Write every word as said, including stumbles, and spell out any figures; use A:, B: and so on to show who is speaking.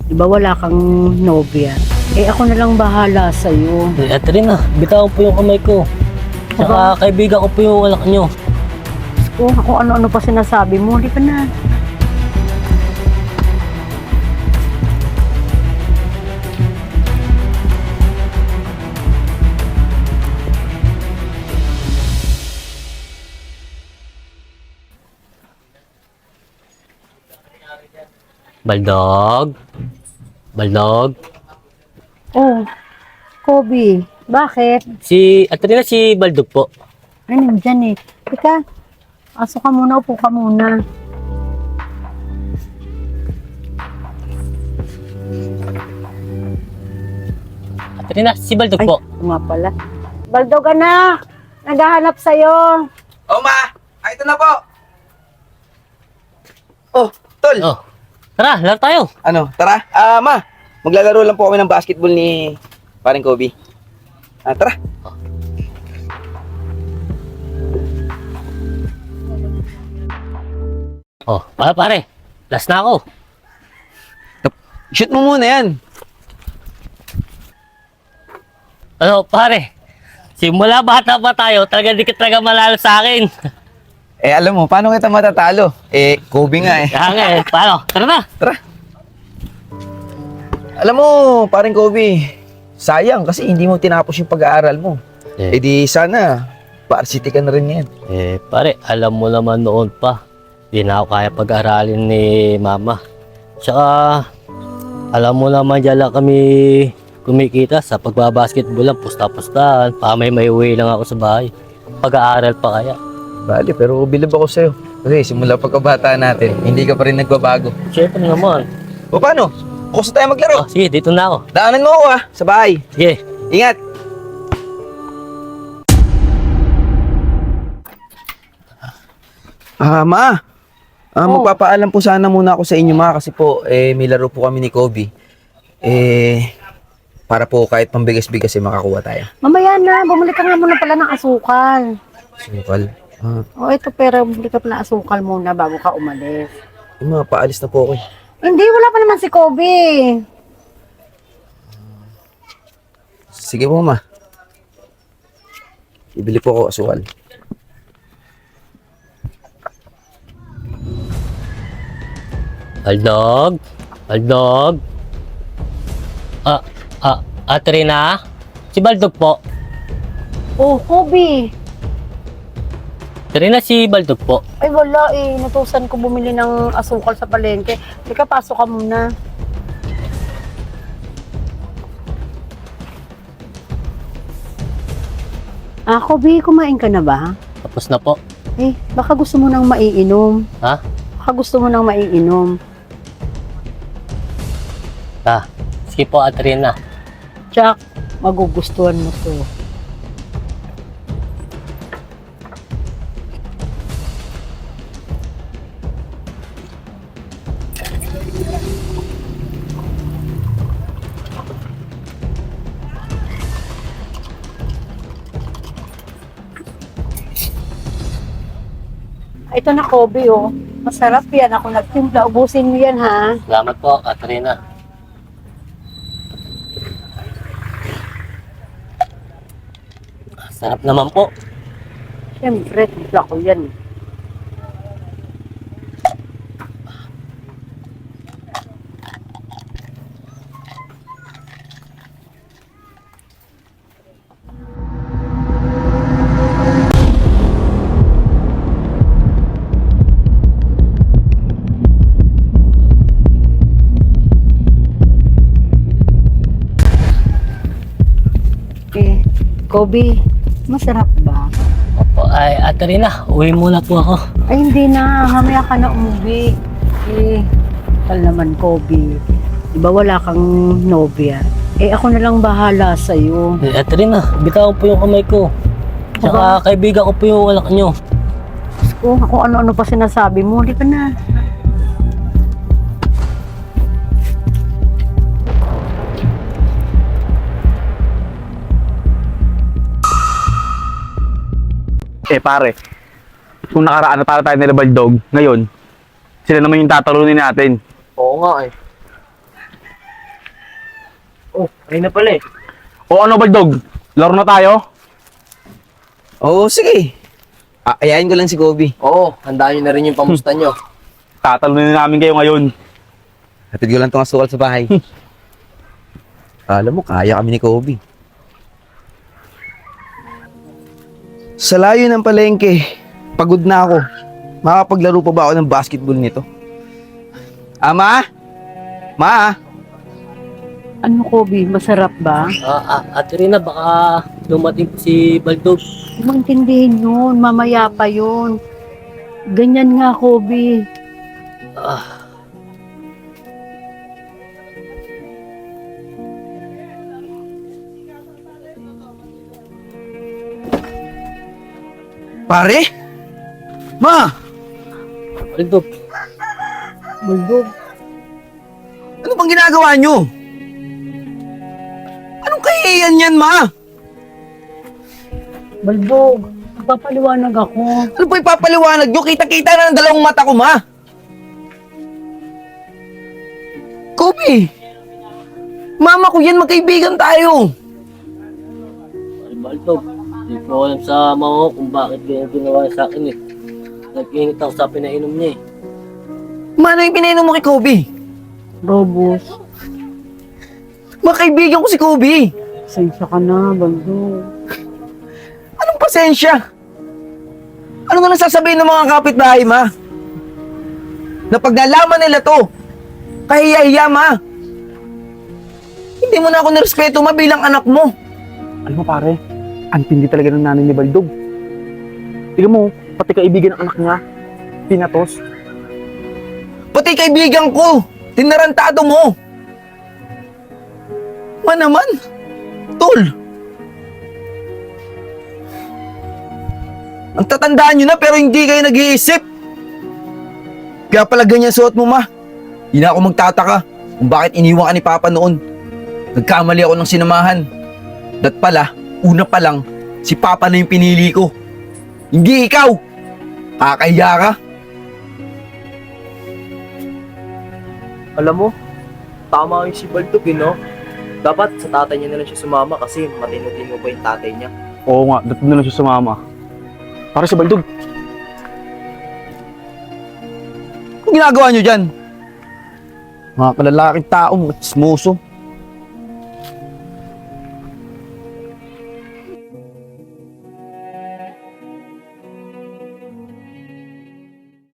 A: Di ba wala kang nobya? Eh ako na lang bahala sa'yo.
B: Eh, ate rin ah, bitawan po yung kamay ko. Tsaka
A: Aba.
B: kaibigan ko po yung anak nyo.
A: Kung ako ano-ano pa sinasabi mo, di ka na.
B: Baldog? Baldog?
A: Oh, Kobe, bakit?
B: Si, ate rin ah, si Baldog po.
A: Ay, nandyan eh. Teka, aso ka muna, upo ka muna.
B: Ate rin ah, si Baldog
A: Ay,
B: po.
A: ito nga pala. Baldog anak, naghahanap sa'yo.
C: Oh, ma! Ay, ito na po! Oh, tol!
B: Oh, tara, laro tayo.
C: Ano, tara. Ah, ma! Maglalaro lang po kami ng basketball ni paring Kobe. Ah, tara.
B: Oh, pare, pare. Last na ako.
C: Shoot mo muna yan.
B: Ano, pare? Simula bata pa tayo, talaga di ka talaga malalo sa akin.
C: Eh, alam mo, paano kita matatalo? Eh, Kobe nga eh.
B: Kaya nga eh, paano? Tara na.
C: Tara. Alam mo, paring Kobe, sayang kasi hindi mo tinapos yung pag-aaral mo.
B: Eh,
C: Eh di sana, varsity ka na rin yan.
B: eh, pare, alam mo naman noon pa, di na ako kaya pag-aralin ni mama. Tsaka, alam mo naman dyan lang kami kumikita sa pagbabasketball lang, pusta-pustahan. Pamay may uwi lang ako sa bahay. Pag-aaral pa kaya.
C: Bale, pero bilib ako sa'yo. Kasi simula pagkabata natin, hindi ka pa rin nagbabago.
B: Siyempre naman.
C: O paano? Bukas na tayo maglaro.
B: Oh, sige, dito na ako.
C: Daanan mo ako ah, sa bahay.
B: Sige.
C: Ingat! Ah, ma. Ah,
A: Oh.
C: magpapaalam po sana muna ako sa inyo, ma, kasi po, eh, may laro po kami ni Kobe. Eh, para po kahit pambigas-bigas eh, makakuha tayo.
A: Mamaya na, bumalik ka nga muna pala ng asukal.
C: Sukal. Ah,
A: O ito, pero bumalik ka pala ng asukal muna bago ka umalis.
C: eh, ma, paalis na po ako eh.
A: Hindi, wala pa naman si Kobe.
C: Sige po, ma. Ibili po ako asukal.
B: Baldog? Baldog? Ah, ah, ate rin ah? Si Baldog po.
A: Oh, Kobe.
B: Ate rin ah, si Baldog po.
A: Ay, wala eh. Natusan ko bumili ng asukal sa palengke. Teka, pasok ka muna. Ah, Kobe, kumain ka na ba?
B: Tapos na po.
A: Eh, baka gusto mo nang maiinom.
B: Ha?
A: Baka gusto mo nang maiinom.
B: Ah, sige po ate rin ah.
A: Jack, magugustuhan mo to. Ito na, Kobe, oh. Masarap yan. Ako nagtimpla. Ubusin mo yan, ha?
B: Salamat po, ate rin ah. Sarap naman po.
A: Siyempre, timpla ko yan. Eh, Kobe, masarap ba?
B: Opo, ay ate rin ah, uwi muna po ako.
A: Ay, hindi na. Mamaya ka na umuwi. Eh, tal naman, Kobe. Di ba wala kang nobya? Eh, ako na lang bahala sa'yo.
B: Eh, ate rin ah, bitawan po yung kamay ko. Tsaka kaibigan ko po yung anak nyo.
A: Kung ako ano-ano pa sinasabi mo, di ka na.
D: Eh pare, kung nakaraan na para tayo nila Baldog, ngayon, sila naman yung tatalunin natin.
C: Oo nga eh.
B: Oh, ayun na pala eh.
D: O ano, Baldog? Laro na tayo?
C: Oo, sige. Ah, ayayin ko lang si Kobe.
B: Oo, handaan nyo na rin yung pamusta nyo.
D: Tatalunin na namin kayo ngayon.
C: Hatid ko lang itong asukal sa bahay. Alam mo, kaya kami ni Kobe. Sa layo ng palengke, pagod na ako. Makapaglaro pa ba ako ng basketball nito? Ama? Ma?
A: Ano, Kobe? Masarap ba?
B: Ah, ah, Ate Rina, baka dumating si Baldog.
A: Maintindihin yun. Mamaya pa yun. Ganyan nga, Kobe.
B: Ah,
C: Pare? Ma?
B: Baldog.
A: Bulbog.
C: Ano bang ginagawa nyo? Anong kahihiyan yan, ma?
A: Bulbog. Magpapaliwanag ako.
C: Ano ba ipapaliwanag nyo? Kita-kita na ng dalawang mata ko, ma. Kobe! Mama ko yan, magkaibigan tayo.
B: Baldog, hindi ko alam sa mama ko kung bakit ganyan ginawa niya sa akin eh. Nag-init ako sa pinainom niya eh.
C: Ma, ano yung pinainom mo kay Kobe?
A: Robos.
C: Makaibigan ko si Kobe.
A: Sensya ka na, Bulbog.
C: Anong pasensya? Ano nga nasasabihin ng mga kapitbahay, ma? Na pag nalaman nila to, kahiya-hiya, ma. Hindi mo na ako nirespeto, ma, bilang anak mo.
D: Alam mo pare, ang tindi talaga ng nanay ni Baldog. Tingnan mo, pati kaibigan ng anak niya, pinatos.
C: Pati kaibigan ko, tinarantado mo. Ma naman, tol. Ang tatandaan nyo na pero hindi kayo nag-iisip. Kaya pala ganyan suot mo, ma. Hindi na ako magtataka kung bakit iniwan ka ni Papa noon. Nagkamali ako ng sinamahan. Dat pala, una pa lang, si Papa na yung pinili ko. Hindi ikaw. Kakahiya ka.
E: Alam mo, tama yung si Baldog eh, no? Dapat sa tatay niya na lang siya sumama kasi matino-tino pa yung tatay niya.
D: Oo nga, dapat na lang siya sumama. Para si Baldog.
C: Anong ginagawa nyo dyan? Mga kalalaking tao, mga chismoso.